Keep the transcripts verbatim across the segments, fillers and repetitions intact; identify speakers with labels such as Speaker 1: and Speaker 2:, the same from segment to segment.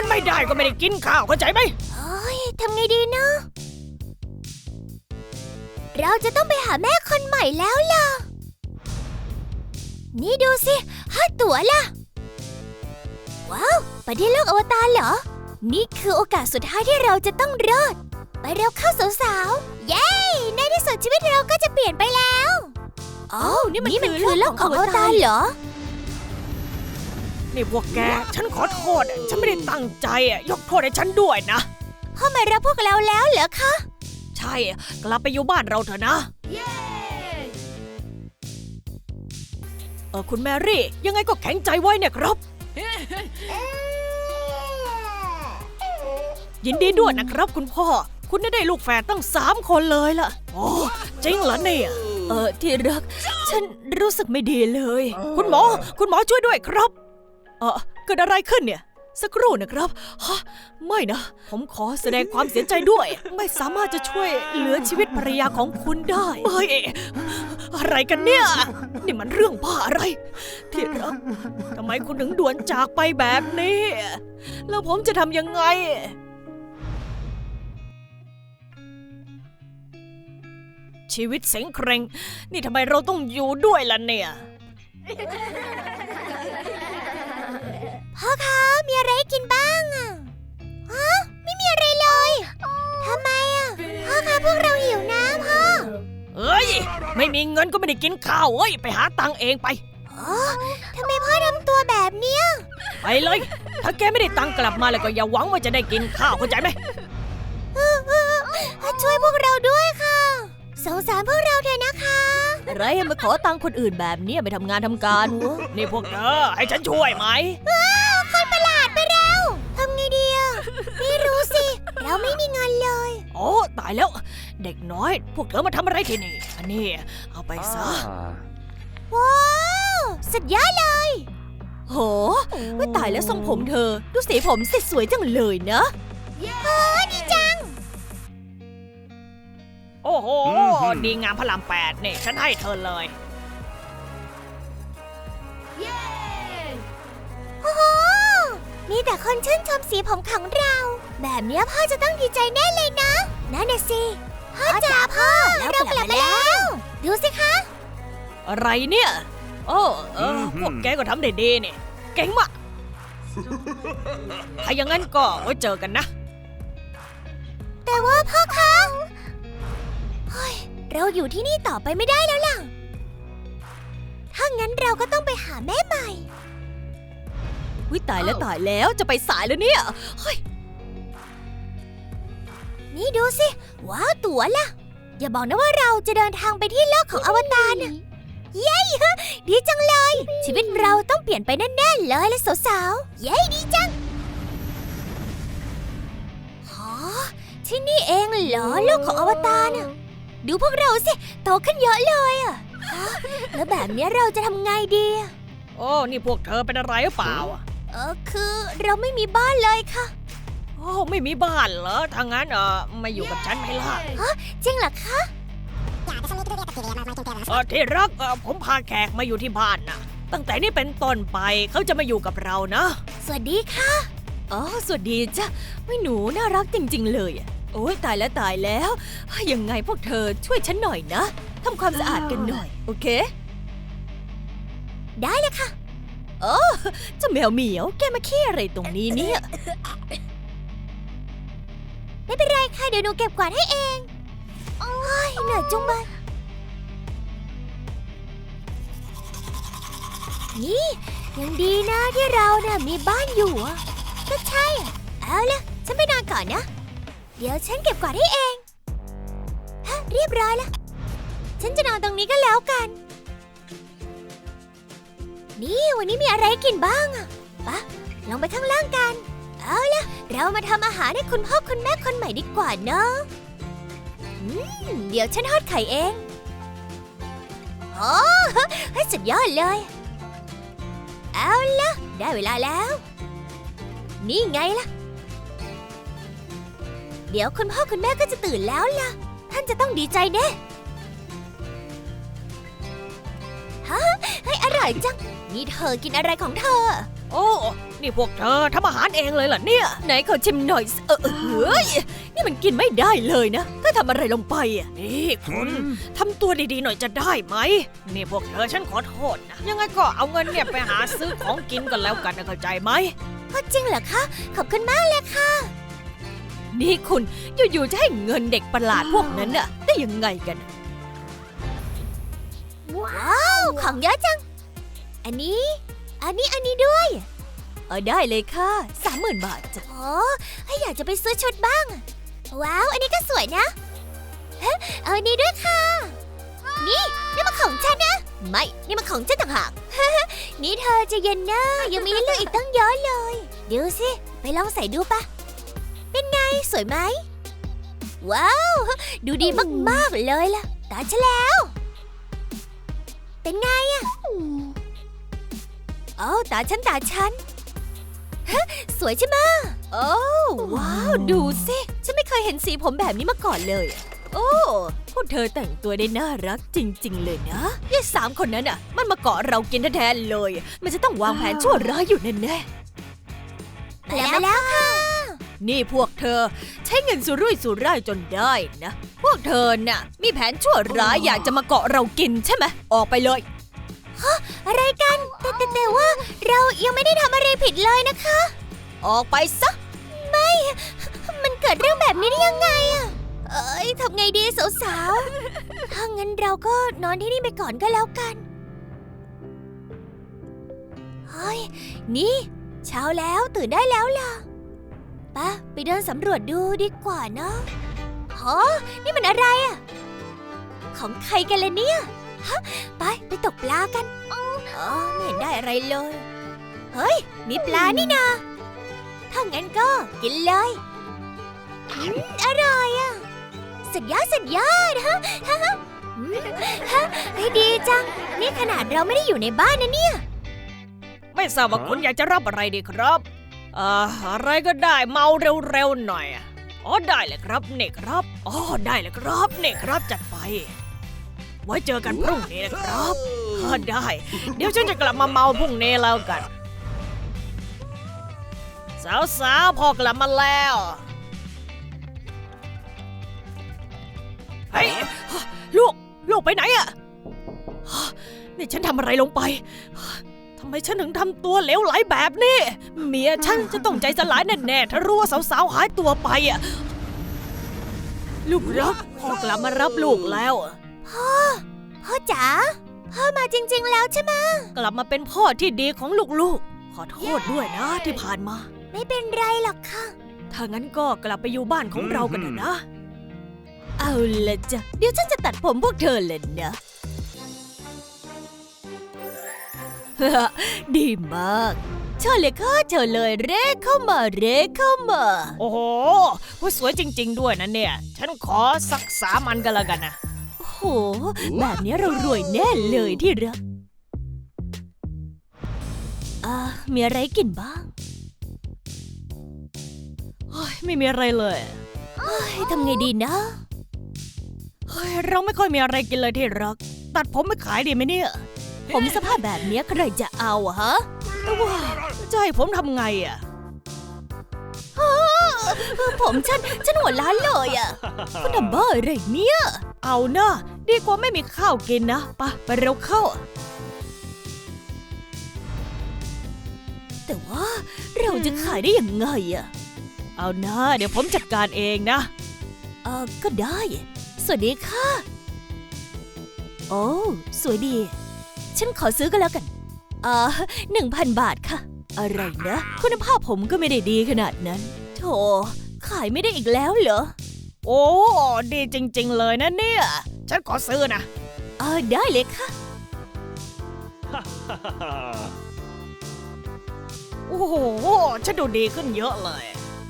Speaker 1: ไม่ได้ก็ไม่ได้กินข้าวเข้าใจไหม
Speaker 2: เฮ้ยทำไงดีเนาะเราจะต้องไปหาแม่คนใหม่แล้วล่ะนี่ดูสิห้าตั๋วล่ะว้าวไปที่โลกอวตารเหรอนี่คือโอกาสสุดท้ายที่เราจะต้องรอดไปเร็วเข้าสาวๆเย้ในที่สุดชีวิตเราก็จะเปลี่ยนไปแล้วอ๋อนี่มันคือโลกของอวตารเหรอ
Speaker 1: นี่พวกแกฉันขอโทษฉันไม่ได้ตั้งใจยกโทษให้ฉันด้วยนะ
Speaker 2: พ่อมารับพวกเราแล้วเหรอคะ
Speaker 1: ใช่กลับไปอยู่บ้านเราเถอะนะเออคุณแมรี่ยังไงก็แข็งใจไว้เนี่ยครับยินดีด้วยนะครับคุณพ่อคุณได้ลูกแฝดตั้งสามคนเลยล่ะโอ้จริงเหรอเนี่ย
Speaker 2: เออที่รักฉันรู้สึกไม่ดีเลย
Speaker 1: คุณหมอคุณหมอช่วยด้วยครับเออเกิดอะไรขึ้นเนี่ยสักครู่นะครับฮะไม่นะผมขอแสดงความเสียใจด้วยไม่สามารถจะช่วยเหลือชีวิตภรรยาของคุณได้เฮ้ยอะไรกันเนี่ยนี่มันเรื่องบ้าอะไรที่รักทำไมคุณถึงด่วนจากไปแบบนี้แล้วผมจะทำยังไงชีวิตเส็งเคร่งนี่ทำไมเราต้องอยู่ด้วยล่ะเนี่ย
Speaker 2: พ่อคะมีอะไรกินบ้างอ่ะฮะไม่มีอะไรเลยทำไมอ่ะพ่อคะพวกเราหิวน้ำพ่อ
Speaker 1: เอ้ยไม่มีเงินก็ไม่ได้กินข้าวเอ้ยไปหาตังค์เองไป
Speaker 2: อ๋อทำไมพ่อทำตัวแบบเนี้ย
Speaker 1: ไปเลยถ้าแกไม่ได้ตังค์กลับมาแล้วก็อย่าหวังว่าจะได้กินข้าวเข้าใจไหม
Speaker 2: ช่วยพวกเราด้วยค่ะสงสารพวกเราเถอะนะคะ
Speaker 1: อะไรมาขอตังค์คนอื่นแบบนี้ไปทำงานทำการวะนี่พวกเธอให้ฉันช่วยไหม
Speaker 2: คนประหลาดไปเร็วทำไงดีอ่ะไม่รู้สิเราไม่มีเงินเลย
Speaker 1: โอ้ตายแล้วเด็กน้อยพวกเธอมาทำอะไรที่นี่อันนี้เอาไปซะ
Speaker 2: ว้าวสุดยอดเลย
Speaker 1: โหไม่ตายแล้วทรงผมเธอดูสีผมสิสวยจังเลยนะ
Speaker 2: โอ้ดีจัง
Speaker 1: โอ้โหดีงามพระรามแปดเนี่ยฉันให้เธอเลย
Speaker 2: โอ้โหมีแต่คนชื่นชมสีผมของเราแบบนี้พ่อจะต้องดีใจแน่เลยนะนั่นน่ะสิพ่อจ๋าพ่อเรากลับมาแล้วดูสิคะ
Speaker 1: อะไรเนี่ยโอ้เออพวกแกก็ทำได้ดีเนี่ยเก่งมากถ้าอย่างนั้นก็ไว้เจอกันนะ
Speaker 2: แต่ว่าพ่อคะเฮ้ยเราอยู่ที่นี่ต่อไปไม่ได้แล้วล่ะถ้างั้นเราก็ต้องไปหาแม่ใหม่
Speaker 1: วิตายแล้วตายแล้วจะไปสายแล้วเนี่ยเฮ้ย
Speaker 2: นี่ดูสิว้าวตั๋วล่ะอย่าบอกนะว่าเราจะเดินทางไปที่โลกของอวตารน่ะเย้ดีจังเลยชีวิตเราต้องเปลี่ยนไปแน่ๆเลยและสาวๆเย้ดีจังฮะที่นี่เองเหรอโลกของอวตารน่ะดูพวกเราสิโตขึ้นเยอะเลยอ่ะแล้วแบบนี้เราจะทำไงดี
Speaker 1: โอ้นี่พวกเธอเป็นอะไรหรือเปล่า
Speaker 2: เออคือเราไม่มีบ้านเลยค่ะ
Speaker 1: โอ้ไม่มีบ้านเหรอถ้างั้นเออมาอยู่กับฉันไหมล่ะ
Speaker 2: ฮะจริงเหรอคะ
Speaker 1: เออที่รักเออผมพาแขกมาอยู่ที่บ้านนะตั้งแต่นี้เป็นต้นไปเขาจะมาอยู่กับเรานะ
Speaker 2: สวัสดีค่ะ
Speaker 1: อ๋อสวัสดีจ้ะไม่หนูน่ารักจริงๆเลยโอ้ยตายแล้วตายแล้วยังไงพวกเธอช่วยฉันหน่อยนะทำความสะอาดกันหน่อยโอเค
Speaker 2: ได้เลยค่ะ
Speaker 1: เออเจ้าแมวเหมียวแกมาขี้อะไรตรงนี้เนี่ย
Speaker 2: ไม่เป็นไรค่ะเดี๋ยวหนูเก็บกวาดให้เองโอ้ยเหนื่อยจุงเลยนี่ยังดีนะที่เราเนี่ยมีบ้านอยู่อ่ะก็ใช่เอาล่ะฉันไปนอนก่อนนะเดี๋ยวฉันเก็บกวาดให้เองฮะเรียบร้อยแล้วฉันจะนอนตรงนี้ก็แล้วกันนี่วันนี้มีอะไรกินบ้างอะปะลงไปข้างล่างกันเอาล่ะเรามาทำอาหารให้คุณพ่อคุณแม่คนใหม่ดีกว่าเนาะอืมเดี๋ยวฉันทอดไข่เองโอ้ให้สุดยอดเลยเอาล่ะได้เวลาแล้วนี่ไงล่ะเดี๋ยวคุณพ่อคุณแม่ก็จะตื่นแล้วล่ะท่านจะต้องดีใจแน่ฮะให้อร่อยจังนี่เธอกินอะไรของเธอ
Speaker 1: โอ้ นี่พวกเธอทำอาหารเองเลยเหรอเนี่ย ไหนขอชิมหน่อยสิเออเออเฮ้ย นี่มันกินไม่ได้เลยนะถ้าทำอะไรลงไปอ่ะ นี่คุณทำตัวดีๆหน่อยจะได้ไหม นี่พวกเธอฉันขอโทษนะ ยังไงก็เอาเงินเนี่ยไปหาซื้อของกินกันแล้วกันนะเข้าใจไหม
Speaker 2: จริงเหรอคะ ขอบคุณมากเลยค่ะ
Speaker 1: นี่คุณอยู่ๆจะให้เงินเด็กประหลาดพวกนั้นน่ะได้ยังไงกัน
Speaker 2: ว้าว ของเยอะจัง อันนี้ อันนี้ อันนี้ด้วย
Speaker 1: เออได้เลยค่ะสามหมื่นบาทจ้ะ
Speaker 2: โอ้ให้อยากจะไปซื้อชุดบ้างอะว้าว อันนี้ก็สวยนะเฮ้เอาอันนี้ด้วยค่ะ นี่นี่มันของฉันนะ ไม่ นี่มันของฉันต่างหาก นี่เธอใจะเย็นนะยังมีให้เลือกอีกตั้งเยอะเลยเดี๋ยวสิ ไปลองใส่ดูปะเป็นไง สวยไหม ว้าว ดูดีมากๆเลยล่ะ ตาฉันแล้ว เป็นไงอะโอ้ตาฉันตาฉัน สวยใช่ไหมโอ้ว้าว ดูสิ ฉันไม่เคยเห็นสีผมแบบนี้มาก่อนเลยอะโอ้พวกเธอแต่งตัวได้น่ารักจริงๆเลยนะยายสามคนนั้นอ่ะ มันมาเกาะเรากินแทนๆเลย มันจะต้องวางแผนชั่วร้ายอยู่แน่ๆมาแล้วมาแล้วค่ะ
Speaker 1: นี่พวกเธอใช้เงินสุรุ่ยสุร่ายจนได้นะ พวกเธอน่ะ มีแผนชั่วร้ายอยากจะมาเกาะเรากินใช่ไหมออกไปเลย
Speaker 2: อะไรกัน แต่แต่แต่ว่าเรายังไม่ได้ทำอะไรผิดเลยนะคะ
Speaker 1: ออกไปซะ
Speaker 2: ไม่ มันเกิดเรื่องแบบนี้ได้ยังไงอะเอ้ยทำไงดีสาวๆ ถ้างั้นเราก็นอนที่นี่ไปก่อนก็แล้วกันเฮ้ยนี่เช้าแล้วตื่นได้แล้วล่ะไปะไปเดินสำรวจดูดีกว่าเนาะฮะนี่มันอะไรอะของใครกันเลยเนี่ยฮะไปไปตกปลากันอ๋อไม่เห็นได้อะไรเลย เฮ้ยมีปลานี่นาถ้างั้นก็กินเลยอืมอร่อยอะสุดยอดสุดยอดฮะฮะฮะอืมฮะเฮ้ยดีจังนี่ขนาดเราไม่ได้อยู่ในบ้านนะเนี่ย
Speaker 1: ไม่ทราบว่าคุณอยากจะรับอะไรดีครับเอ่ออะไรก็ได้เมาเร็วๆหน่อยอะอ๋อได้เลยครับนี่ครับอ๋อได้เลยครับนี่ครับจัดไป ไว้เจอกันพรุ่งนี้นะครับเออได้ เดี๋ยวฉันจะกลับมาเมาพรุ่งนี้แล้วกัน สาวๆพอกลับมาแล้วเฮ้ยลูกลูกไปไหนอะนี่ฉันทำอะไรลงไปทำไมฉันถึงทำตัวเหลวไหลแบบนี้เมียฉันจะต้องใจสลายแน่ๆถ้ารู้ว่าสาวๆหายตัวไปอะลูกรักพ่อกลับมารับลูกแล้วอะ
Speaker 2: พ่อ พ่อจ๋า พ่อมาจริงๆแล้วใช่ไหม
Speaker 1: กลับมาเป็นพ่อที่ดีของลูกๆ ขอโทษด้วยนะที่ผ่านมา
Speaker 2: ไม่เป็นไรหรอกค่ะ
Speaker 1: ถ้างั้นก็กลับไปอยู่บ้านของเรากันเถอะนะ เอาละจ้ะ เดี๋ยวฉันจะตัดผมพวกเธอเลยนะ ดีมากเชิญเลยค่ะเชิญเลยเร่เข้ามาเร่เข้ามา โอ้โหสวยจริงๆด้วยนะเนี่ย ฉันขอสักสามอันกันละกันนะ โอ้โห แบบนี้เรารวยแน่เลยที่รักอ่ามีอะไรกินบ้างเฮ้ยไม่มีอะไรเลยเฮ้ยทำไงดีนะเฮ้ยเราไม่ค่อยมีอะไรกินเลยที่รัก ตัดผมไม่ขายดีไหมเนี่ย ผมสภาพแบบนี้ใครจะเอาอะฮะแต่ว่าจะให้ผมทำไงอะผมฉันฉันหัวล้านเลยอะคุณทำบ้าอะไรเนี่ยเอานะดีกว่าไม่มีข้าวกินนะไปไปเร็วเข้าแต่ว่าเราจะขายได้ยังไงอะเอานะเดี๋ยวผมจัดการเองนะเออก็ได้สวัสดีค่ะโอ้สวยดีฉันขอซื้อก็แล้วกันเอ่อหนึ่งพันบาทค่ะอะไรนะคุณภาพผมก็ไม่ได้ดีขนาดนั้นโธ่ขายไม่ได้อีกแล้วเหรอโอ้ดีจริงๆเลยนะเนี่ยฉันขอซื้อนะเออได้เลยค่ะ โอ้โหฉันดูดีขึ้นเยอะเลย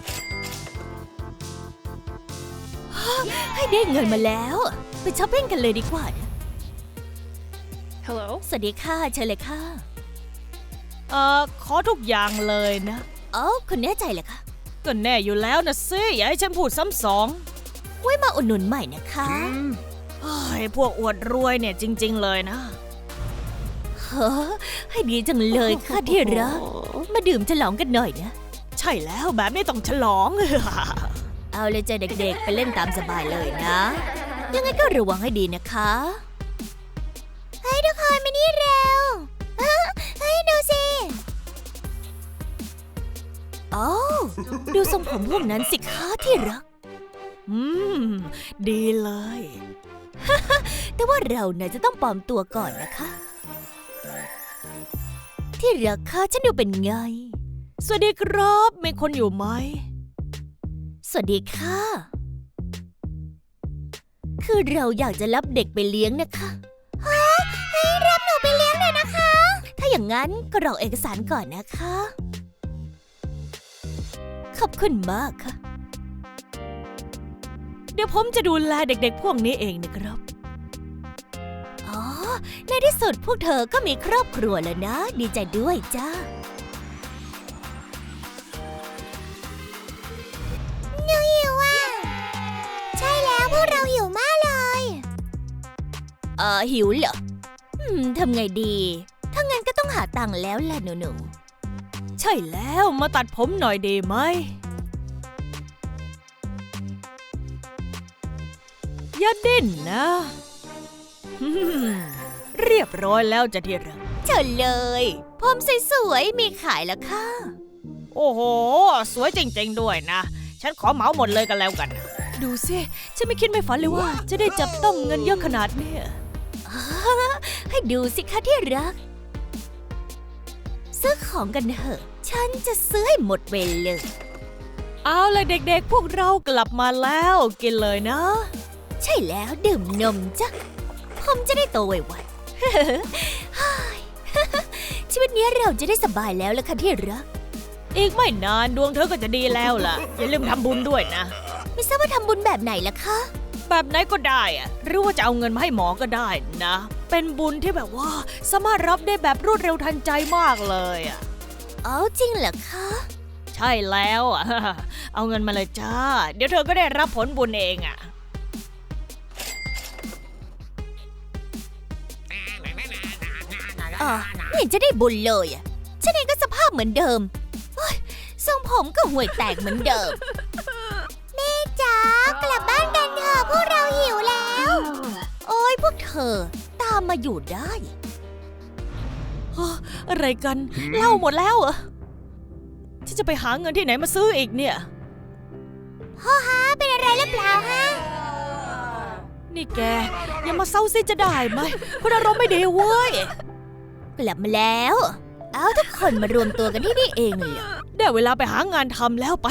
Speaker 1: ให้ได้เงินมาแล้วไปช้อปปิ้งกันเลยดีกว่านะ
Speaker 3: Hello
Speaker 1: สวัสดีค่ะเชิญเลยค่ะเอ่อขอทุกอย่างเลยนะเอ้าคุณแน่ใจเหรอคะก็แน่อยู่แล้วนะสิอย่าให้ฉันพูดซ้ำสองไว้มาอุดหนุนใหม่นะคะเฮ้ยพวกอวดรวยเนี่ยจริงๆเลยนะ
Speaker 2: ฮฮ้อให้ดีจังเลยค่ะที่รัก มาดื่มฉลองกันหน่อยนะ
Speaker 1: ใช่แล้วแบบนี้ต้องฉลอง
Speaker 2: เอาเลยจ้ะเด็กๆ ไปเล่นตามสบายเลยนะ ยังไงก็ระวังให้ดีนะคะเฮ้ยทุกคนมานี่เร็วเอ้อเฮ้ยดูสิโอ้ดูทรงผมพวกนั้นสิคะที่รัก
Speaker 1: อืม ดีเลย
Speaker 2: แต่ว่าเราเนี่ยจะต้องปลอมตัวก่อนนะคะ ที่รักค่ะฉันดูเป็นไง
Speaker 1: สวัสดีครับมีคนอยู่ไหม
Speaker 2: สวัสดีค่ะ คือเราอยากจะรับเด็กไปเลี้ยงนะคะฮะให้รับหนูไปเลี้ยงหน่อยนะคะ ถ้าอย่างนั้นก็รอเอกสารก่อนนะคะ ขอบคุณมากค่ะ
Speaker 1: เดี๋ยวผมจะดูแลเด็กๆพวกนี้เองนะครับ
Speaker 2: อ๋อ ในที่สุดพวกเธอก็มีครอบครัวแล้วนะ ดีใจด้วยจ้าหนูหิวอ่ะ ใช่แล้วพวกเราหิวมากเลยเออหิวเหรอ อืมทำไงดี ถ้างั้นก็ต้องหาตังค์แล้วแหละหนูหนู
Speaker 1: ใช่แล้วมาตัดผมหน่อยดีไหม อย่าดิ้นนะ อืมเรียบร้อยแล้วจะที่รัก
Speaker 2: เชิญเลย ผมสวยๆมีขายแล้วค่ะ
Speaker 1: โอ้โห สวยจริงๆด้วยนะ ฉันขอเหมาหมดเลยกันแล้วกัน ดูสิ ฉันไม่คิดไม่ฝันเลยว่า จะได้จับต้องเงินเยอะขนาดเนี้ย
Speaker 2: ให้ดูสิคะที่รัก ซื้อของกันเถอะ ฉันจะซื้อให้หมดไปเลย
Speaker 1: เอาเลยเด็กๆ พวกเรากลับมาแล้วกินเลยนะ
Speaker 2: ใช่แล้วดื่มนมจ้ะ ผมจะได้โตไวๆ ชีวิตนี้เราจะได้สบายแล้วล่ะค่ะที่รัก
Speaker 1: อีกไม่นานดวงเธอก็จะดีแล้วล่ะ อย่าลืมทำบุญด้วยนะ
Speaker 2: ไม่ทราบว่าทำบุญแบบไหนล่ะคะ
Speaker 1: แบบไหนก็ได้อะหรือว่าจะเอาเงินมาให้หมอก็ได้นะ เป็นบุญที่แบบว่าสามารถรับได้แบบรวดเร็วทันใจมากเลยอ่ะ
Speaker 2: อ๋อจริงเหรอคะ
Speaker 1: ใช่แล้วอ่ะ เอาเงินมาเลยจ้า เดี๋ยวเธอก็ได้รับผลบุญเองอ่ะ
Speaker 2: อ๋อไม่เห็นจะได้บุญเลยอ่ะ ฉันเองก็สภาพเหมือนเดิมโอ๊ยทรงผมก็ห่วยแตกเหมือนเดิม แม่จ๋ากลับบ้านกันเถอะพวกเราหิวแล้ว โอ้ยพวกเธอตามมาอยู่ได้
Speaker 1: อะไรกันเหล้าหมดแล้วเหรอฉันจะไปหาเงินที่ไหนมาซื้ออีกเนี่ย
Speaker 2: พ่อฮะเป็นอะไรหรือเปล่าฮะ
Speaker 1: นี่แกอย่ามาเศร้าซิจะได้ไหมคนอารมณ์ไม่ดีเว้ย
Speaker 2: กลับมาแล้ว เอาทุกคนมารวมตัวกันที่นี่เองเลยเหรอ
Speaker 1: ได้เวลาไปหางานทำแล้วไป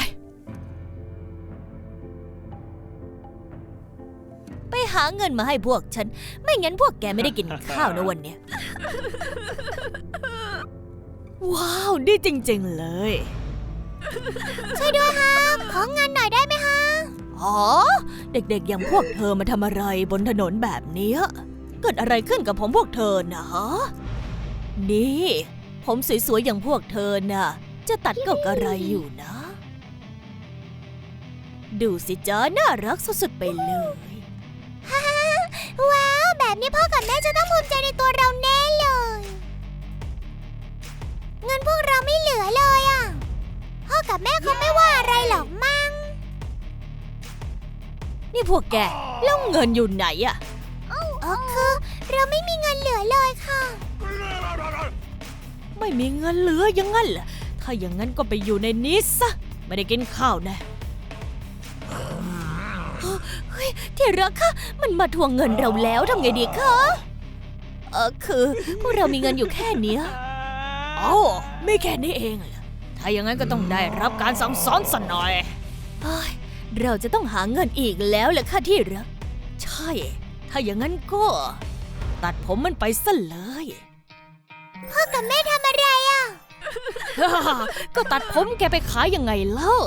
Speaker 2: ไปหาเงินมาให้พวกฉัน ไม่งั้นพวกแกไม่ได้กินข้าวนะวันเนี้ย
Speaker 1: ว้าวดีจริงๆเลย
Speaker 2: ช่วยด้วยฮะของเงินหน่อยได้ไหมฮะ
Speaker 1: อ๋อ เด็กๆอย่างพวกเธอมาทำอะไรบนถนนแบบเนี้ยเกิดอะไรขึ้นกับผมพวกเธอนะฮะนี่ ผมสวยๆอย่างพวกเธอน่ะ จะตัดก็กระไรอยู่นะ ดูสิจ้าน่ารักสุดๆไปเลย
Speaker 2: ว้าวแบบนี้พ่อกับแม่จะต้องภูมิใจในตัวเราแน่เลย เงินพวกเราไม่เหลือเลยอ่ะ พ่อกับแม่คงไม่ว่าอะไรหรอกมั้ง
Speaker 1: นี่พวกแกแล้วเงินอยู่ไหนอะ
Speaker 2: อ๋อคือเราไม่มีเงินเหลือเลยค่ะ
Speaker 1: ไม่มีเงินเหลืออยังงั้นเหรอถ้าอย่างนั้นก็ไปอยู่ในนี้ซะไม่ได้กินข้าวแน่
Speaker 2: เฮ้ยที่รักคะมันมาทวงเงินเราแล้วทำไงดีคะเออคือพวกเรามีเงินอยู่แค่เนี้ย
Speaker 1: เอ้าไม่แค่นี้เองเหรอถ้าอย่างนั้นก็ต้องได้รับการสั่งสอนสักหน่อย
Speaker 2: เฮ้ยเราจะต้องหาเงินอีกแล้วแหละค่ะที่รัก
Speaker 1: ใช่ ถ้าอย่างนั้นก็ ตัดผมมันไปซะเลย
Speaker 2: พ่อกับแม่ทำอะไรอ่ะ
Speaker 1: ก็ตัดผมแกไปขายยังไงเล่า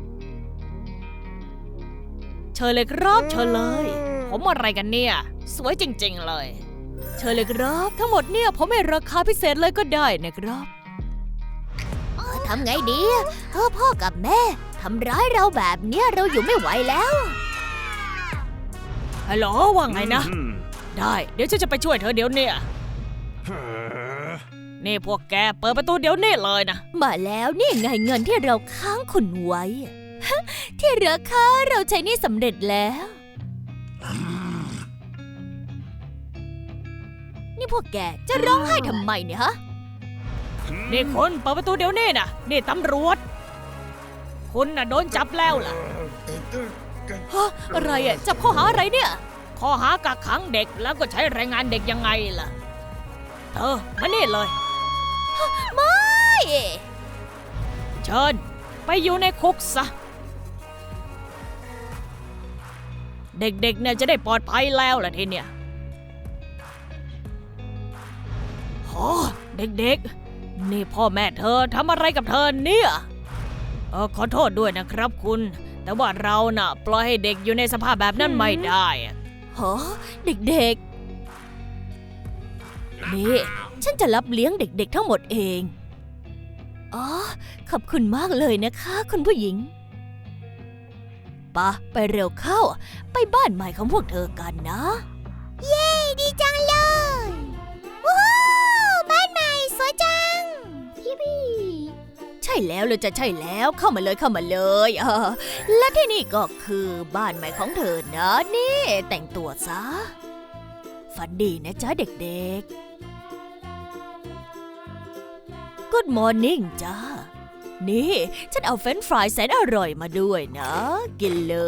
Speaker 1: เชิญเลยครับเชิญเลย ผมอะไรกันเนี่ย สวยจริงๆเลย เชิญเลยครับทั้งหมดเนี่ยผมให้ราคาพิเศษเลยก็ได้นะครับ
Speaker 2: ทำไงดีเออพ่อกับแม่ทำร้ายเราแบบเนี้ยเราอยู่ไม่ไหวแล้ว
Speaker 1: ฮัลโหลว่าไงนะ ได้ เดี๋ยวฉันจะไปช่วยเธอเดี๋ยวเนี่ยนี่พวกแกเปิดประตูเดี๋ยวนี้เลยนะ
Speaker 2: มาแล้วนี่ไงเงินที่เราค้างคุณไว้ ที่เหลือค่ะเราใช้หนี่สำเร็จแล้ว นี่พวกแกจะร้องไห้ทำไมเนี่ยฮะ
Speaker 1: นี่คุณเปิดประตูเดี๋ยวนี้นะนี่ตำรวจ คุณน่ะโดนจับแล้วล่ะ
Speaker 2: ฮะอะไรอ่ะจับข้อหาอะไรเนี่ย
Speaker 1: ข้อหากักขังเด็กแล้วก็ใช้แรงงานเด็กยังไงล่ะเออมานี่เลย
Speaker 2: ไม่
Speaker 1: เชิญไปอยู่ในคุกซะ เด็กๆเนี่ยจะได้ปลอดภัยแล้วล่ะทีเนี่ยโอ้เด็กๆนี่พ่อแม่เธอทำอะไรกับเธอเนี่ยเออขอโทษด้วยนะครับคุณ แต่ว่าเราน่ะปล่อยให้เด็กอยู่ในสภาพแบบนั้นไม่ได้อะ
Speaker 2: ฮะเด็กๆ นี่ ฉันจะรับเลี้ยงเด็กๆทั้งหมดเอง อ๋อ ขอบคุณมากเลยนะคะคุณผู้หญิงปะไปเร็วเข้า ไปบ้านใหม่ของพวกเธอกันนะ เย้ ดีจังเลยว้าวบ้านใหม่สวยจังยิปปี้ใช่แล้วเลยจะใช่แล้วเข้ามาเลยเข้ามาเลยเออและที่นี่ก็คือบ้านใหม่ของเธอนะนี่แต่งตัวซะฝันดีนะจ๊ะเด็กๆ Good morning จ้านี่ฉันเอาเฟรนช์ฟรายแสนอร่อยมาด้วยนะ กินเลย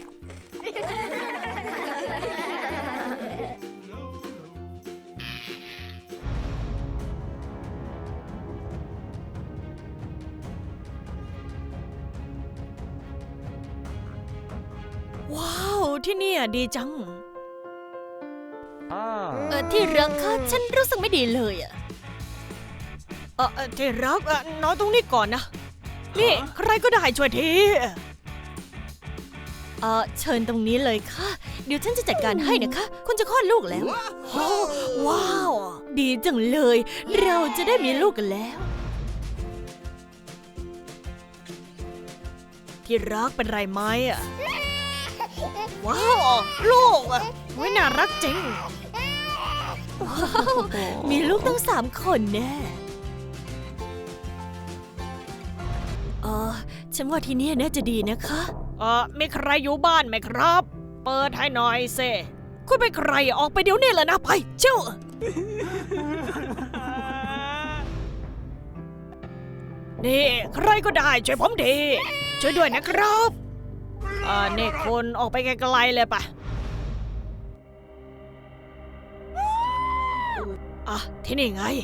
Speaker 1: ว้าวที่เนี่ยดีจัง
Speaker 2: เออที่รักค่ะฉันรู้สึกไม่ดีเลยอะ
Speaker 1: เออเอ่อที่รักเออนอนตรงนี้ก่อนนะ นี่ใครก็ได้ช่วยที
Speaker 2: เออเชิญตรงนี้เลยค่ะ เดี๋ยวฉันจะจัดการให้นะคะ คุณจะคลอดลูกแล้ว
Speaker 1: โอ้ว้าว
Speaker 2: ดีจังเลย เราจะได้มีลูกกันแล้ว
Speaker 1: ที่รักเป็นไรไหมอ่ะ ว้าวลูกอ่ะไว้น่ารักจริง
Speaker 2: มีลูกตั้งสามคนแน่เออฉันว่าที่นี่น่าจะดีนะคะ
Speaker 1: เออมีใครอยู่บ้านไหมครับ เปิดให้หน่อยเซคุณเป็นใครออกไปเดี๋ยวนี้เลยนะไปเจ้า นี่ใครก็ได้ช่วยผมทีช่วยด้วยนะครับเออนี่คนออกไปไกลๆเลยปะอ่ะที่นี่ไง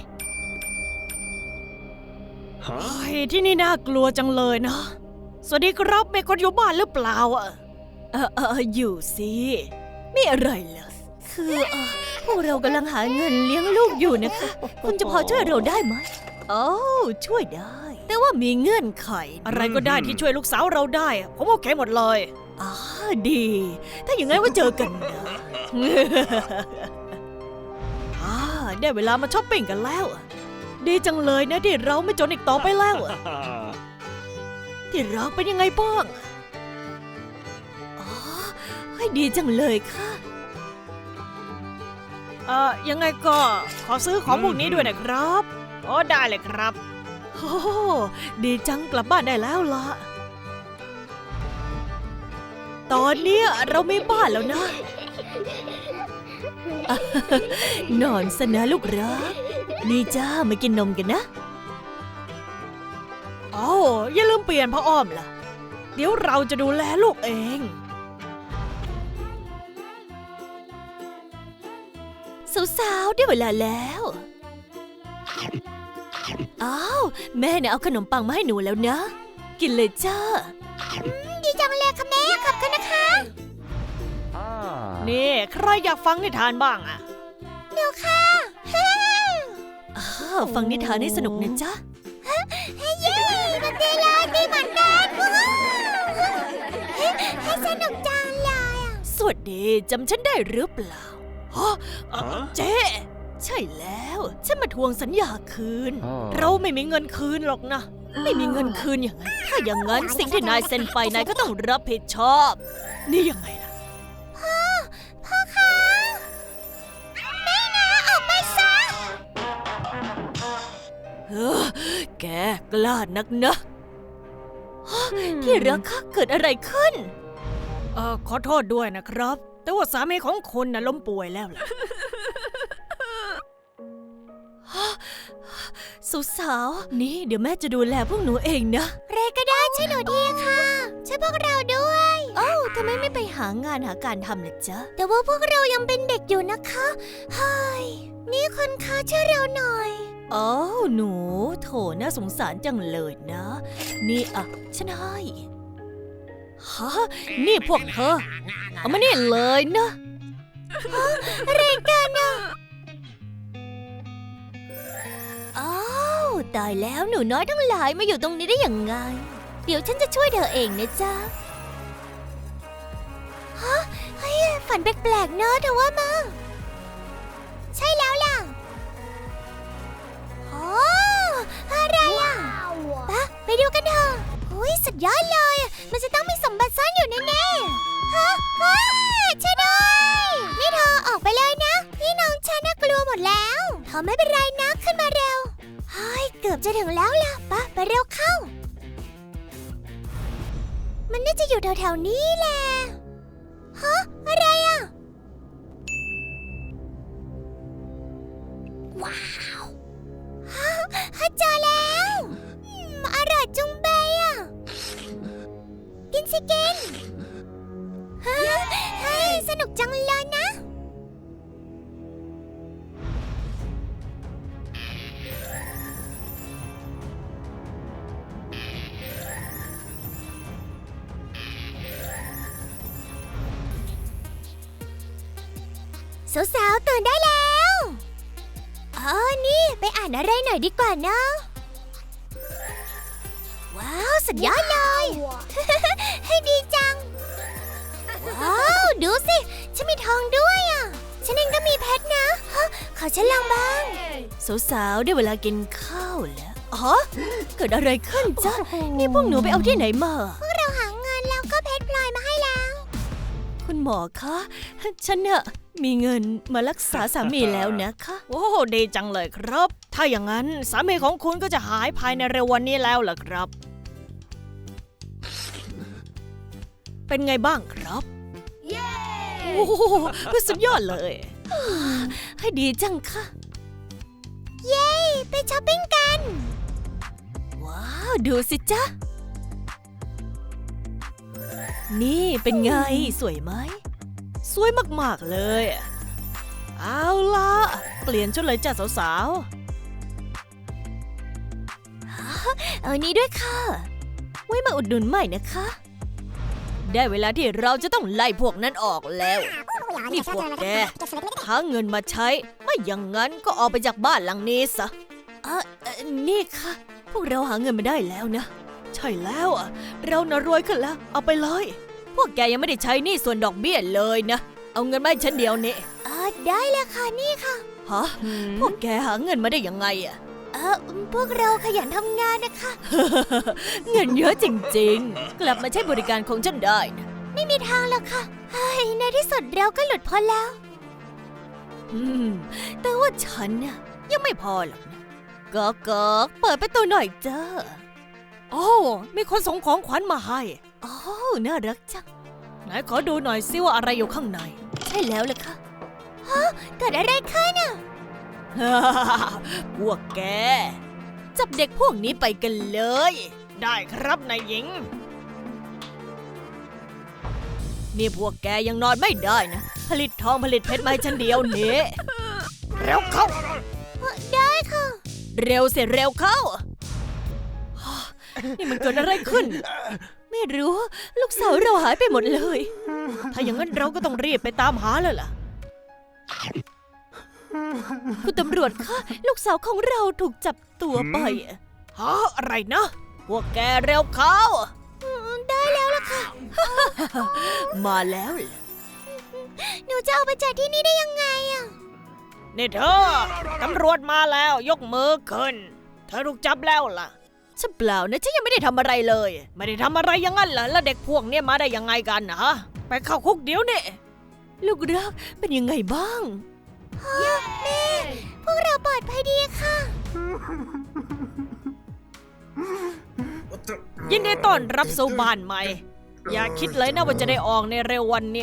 Speaker 1: เฮ้ยที่นี่น่ากลัวจังเลยนะสวัสดีครับมีคนอยู่บ้านหรือเปล่าอ่ะ
Speaker 2: เออเอออยู่สิไม่อะไรเหรอคือเออพวกเรากำลังหาเงินเลี้ยงลูกอยู่นะคะ คุณจะพอช่วยเราได้ไหมโอ้ช่วยได้ แต่ว่ามีเงื่อนไข
Speaker 1: อะไรก็ได้ที่ช่วยลูกสาวเราได้อะผมโอเคหมดเลย
Speaker 2: อ๋อดี ถ้าอย่างนั้นว่าเจอกันนะ
Speaker 1: อ่าได้เวลามาช้อปปิ้งกันแล้วอะดีจังเลยนะที่เราไม่จนอีกต่อไปแล้วอะที่รักเป็นยังไงบ้าง
Speaker 2: อ๋อให้ดีจังเลยค่ะ
Speaker 1: เอ่อยังไงก็ขอซื้อของพวกนี้ด้วยนะครับอ๋อได้เลยครับโอ้ดีจังกลับบ้านได้แล้วล่ะตอนเนี้ยเรามีบ้านแล้วนะ
Speaker 2: นอนซะนะลูกรักนี่จ้ามากินนมกันนะ
Speaker 1: โอ้อย่าลืมเปลี่ยนผ้าอ้อมล่ะ เดี๋ยวเราจะดูแลลูกเอง
Speaker 2: สาวๆได้เวลาแล้วอ้าวแม่เนี่ยเอาขนมปังมาให้หนูแล้วนะ กินเลยจ้าดีจังเลยค่ะแม่ขอบคุณนะคะ
Speaker 1: นี่ใครอยากฟังนิทานบ้างอะ
Speaker 2: เดี๋ยวค่ะอ้าวฟังนิทานให้สนุกนะจ๊ะเย้มันดีเลยดีเหมือนกันให้สนุกจังเลยสวัสดีจำฉันได้หรือเปล่า
Speaker 1: ฮะเอ่อเจ๊
Speaker 2: ใช่แล้วฉันมาทวงสัญญาคืน
Speaker 1: เราไม่มีเงินคืนหรอกนะ
Speaker 2: ไม่มีเงินคืนอย่างนั้นถ้าอย่างนั้นสิ่งที่นายเซ็นไปนายก็ต้องรับผิดชอบ
Speaker 1: นี่ยังไงล่ะ
Speaker 2: พ่อ พ่อคะแม่นะออกไปซะ
Speaker 1: เออแกกล้านักนะฮะที่รักคะเกิดอะไรขึ้น เอ่อขอโทษด้วยนะครับ แต่ว่าสามีของคุณน่ะล้มป่วยแล้วล่ะ สุสาวๆนี่เดี๋ยวแม่จะดูแลพวกหนูเองนะ
Speaker 2: เรก็ได้ช่วยหนูทีค่ะช่วยพวกเราด้วย
Speaker 1: โอ้ทำไมไม่ไปหางานหาการทำล่ะจ๊ะ
Speaker 2: แต่ว่าพวกเรายังเป็นเด็กอยู่นะคะเฮ้ยนี่คุณคะช่วยเราหน่อย
Speaker 1: อ๋อหนูโถน่าสงสารจังเลยนะ นี่อ่ะฉันให้ฮะนี่พวกเธอเอามานี่เลยนะ
Speaker 2: อะไรกันอะอ้าวตายแล้วหนูน้อยทั้งหลายมาอยู่ตรงนี้ได้ยังไง เดี๋ยวฉันจะช่วยเธอเองนะจ๊ะฮะเฮ้ยฝันแปลกๆเนอะเธอว่ามาใช่แล้วล่ะโอ้อะไรอ่ะปะไปดูกันเถอะอุ้ยสุดยอดเลยอะมันจะต้องมีสมบัติซ่อนอยู่แน่ๆฮะว้าช่วยด้วยนี่เธอออกไปเลยนะพี่น้องฉันน่ากลัวหมดแล้วเธอไม่เป็นไรนะขึ้นมาเร็วเฮ้ยเกือบจะถึงแล้วล่ะปะไปเร็วเข้า มันน่าจะอยู่แถวๆนี้แหละฮะอะไรอ่ะว้าวฮะเจอแล้วอืมอร่อยจุงเบยอ่ะกินสิกินฮะเฮ้ยสนุกจังเลยนะสาวๆตื่นได้แล้วอ๋อนี่ไปอ่านอะไรหน่อยดีกว่านะว้าวสุดยอดเลย ให้ดีจังว้าวดูสิฉันมีทองด้วยอ่ะฉันเองก็มีเพชรนะฮะขอฉันลองบ้าง
Speaker 1: สาวๆได้เวลากินข้าวแล้วอ๋อเกิดอะไรขึ้นจ๊ะ นี่พวกหนูไปเอาที่ไหนมา
Speaker 2: พวกเราหาเงินแล้วก็เพชรพลอยมาให้แล้ว
Speaker 1: คุณหมอคะ ฉันน่ะมีเงินมารักษาสามีแล้วนะคะ โอ้ดีจังเลยครับ ถ้าอย่างนั้นสามีของคุณก็จะหายภายในเร็ววันนี้แล้วล่ะครับ เป็นไงบ้างครับโอ้โหสุดยอดเลย ให้ดีจังค่ะ
Speaker 2: เย้ไปช้อปปิ้งกัน
Speaker 1: ว้าว ดูสิจ๊ะ นี่เป็นไงสวยไหม สวยมากๆเลย เอาล่ะ เปลี่ยนชุดเลยจ้ะสาวๆ เอานี้ด้วยค่ะ ไว้มาอุดหนุนใหม่นะคะ ได้เวลาที่เราจะต้องไล่พวกนั้นออกแล้ว นี่พวกแกหาเงินมาใช้ ไม่อย่างนั้นก็ออกไปจากบ้านหลังนี้ซะเออเอ่อนี่ค่ะ พวกเราหาเงินมาได้แล้วนะ ใช่แล้วอ่ะ เราน่ะรวยขึ้นแล้ว เอาไปเลย พวกแกยังไม่ได้ใช้หนี้ส่วนดอกเบี้ยเลยนะ เอาเงินมาให้ฉันเดียวนี่
Speaker 2: อ่าได้เลยค่ะนี่ค่ะ
Speaker 1: ฮะ พวกแกหาเงินมาได้ยังไงอ่ะ
Speaker 2: เออพวกเราขยันทำงานนะคะ
Speaker 1: เงินเยอะจริงๆ กลับมาใช้บริการของฉันได้นะ
Speaker 2: ไม่มีทางหรอกค่ะเฮ้ยในที่สุดเราก็หลุดพ้นแล้ว
Speaker 1: อืม แต่ว่าฉันน่ะยังไม่พอหรอกนะก๊อกก๊อกเปิดประตูหน่อยจ้าโอ้มีคนส่งของขวัญมาให้โอ้น่ารักจัง ไหนขอดูหน่อยซิว่าอะไรอยู่ข้างใน ใช่แล้วล่ะค่ะ
Speaker 2: เกิดอะไรขึ้นอ่ะ
Speaker 1: พวกแก จับเด็กพวกนี้ไปกันเลย ได้ครับนายหญิง นี่พวกแกยังนอนไม่ได้นะ ผลิตทองผลิตเพชรมาให้ฉันเดียวนี้เร็วเข้า
Speaker 2: ได้ค่ะ
Speaker 1: เร็วเสร็จเร็วเข้า นี่มันเกิดอะไรขึ้น ไม่รู้ ลูกสาวเราหายไปหมดเลย ถ้าอย่างนั้นเราก็ต้องรีบไปตามหาแล้วล่ะ คุณตำรวจคะ ลูกสาวของเราถูกจับตัวไปฮะอะไรนะ พวกแกเร็วเข้า
Speaker 2: ได้แล้วล่ะค่ะ
Speaker 1: มาแล้วเหรอ
Speaker 2: หนูจะเอาไปจากที่นี่ได้ยังไงอ่ะ
Speaker 1: นี่เธอ ตำรวจมาแล้วยกมือขึ้น เธอถูกจับแล้วล่ะฉันเปล่านะฉันยังไม่ได้ทำอะไรเลย ไม่ได้ทำอะไรอย่างนั้นเหรอแล้วเด็กพวกนี้มาได้ยังไงกันนะฮะ ไปเข้าคุกเดี๋ยวนี้ลูกรักเป็นยังไงบ้าง
Speaker 2: แม่ พวกเราปลอดภัยดีค่ะ
Speaker 1: ยินดีต้อนรับสู่บ้านใหม่ อย่าคิดเลยนะว่าจะได้ออกในเร็ววันเนี่ย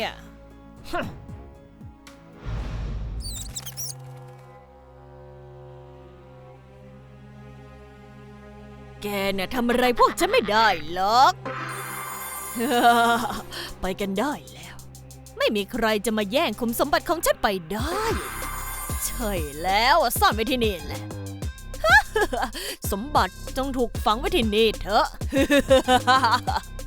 Speaker 1: แกเนี่ยทำอะไรพวกฉันไม่ได้หรอก ไปกันได้แล้ว ไม่มีใครจะมาแย่งคุมสมบัติของฉันไปได้ ใช่แล้วซ่อนไว้ที่นี่แหละ สมบัติจงถูกฝังไว้ที่นี่เถอะ